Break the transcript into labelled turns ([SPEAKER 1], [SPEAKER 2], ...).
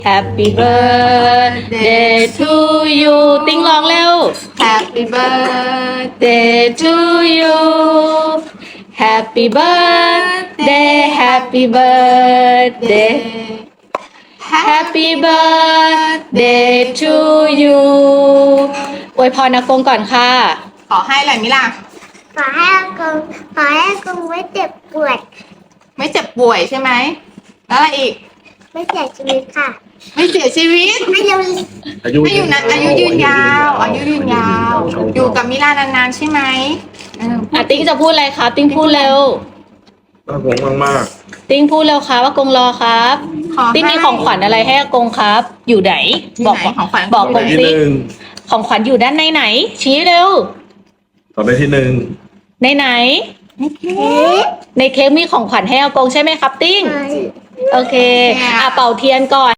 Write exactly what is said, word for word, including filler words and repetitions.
[SPEAKER 1] Happy birthday to you ติ้งร้องเร็ว
[SPEAKER 2] Happy birthday
[SPEAKER 1] Day to you Happy birthday Happy birthday Happy birthday to you อวยพรอากงก่อนค่ะ
[SPEAKER 2] ขอให้อะไรมิล่ะ
[SPEAKER 3] ขอให้อากงขอให้อากงไม่เจ็บปวด
[SPEAKER 2] ไม่เจ็บป่วยใช่ไหมแล้วอะไรอีก
[SPEAKER 3] ไม่เสียชีวิตค่ะ
[SPEAKER 2] ไม่เสียชีวิต
[SPEAKER 3] ให้ยัง
[SPEAKER 4] อายุ
[SPEAKER 2] ให้อยู่นะอายุยืนยาว อายุยืนยาว อยู่กับมิล่านานๆใช่ไหมเออ
[SPEAKER 1] อ่ะติ้งจะพูดอะไรคะติ้งพูดเร็ว
[SPEAKER 4] น่าหวงมากมาก
[SPEAKER 1] ติ้งพูดเร็วครับว่ากงรอครับ
[SPEAKER 2] ขอให้
[SPEAKER 1] ติ้งมีของขวัญอะไรให้อากงครับ อยู่ไหน
[SPEAKER 2] ที่
[SPEAKER 1] บอก
[SPEAKER 2] ไหนของขวัญ
[SPEAKER 1] บอก
[SPEAKER 4] ต่อก ไป
[SPEAKER 1] ง
[SPEAKER 4] ที่
[SPEAKER 1] สิ
[SPEAKER 4] หนึ่ง
[SPEAKER 1] ของขวัญอยู่ด้านในไหน ชี้เร็ว
[SPEAKER 4] ต่อไปที่หนึ่ง
[SPEAKER 1] ในไหน ในเค้กมีของขวัญให้อากงใช่ไหมครับติ้ง โอเค อ่ะเป่าเทียนก่อน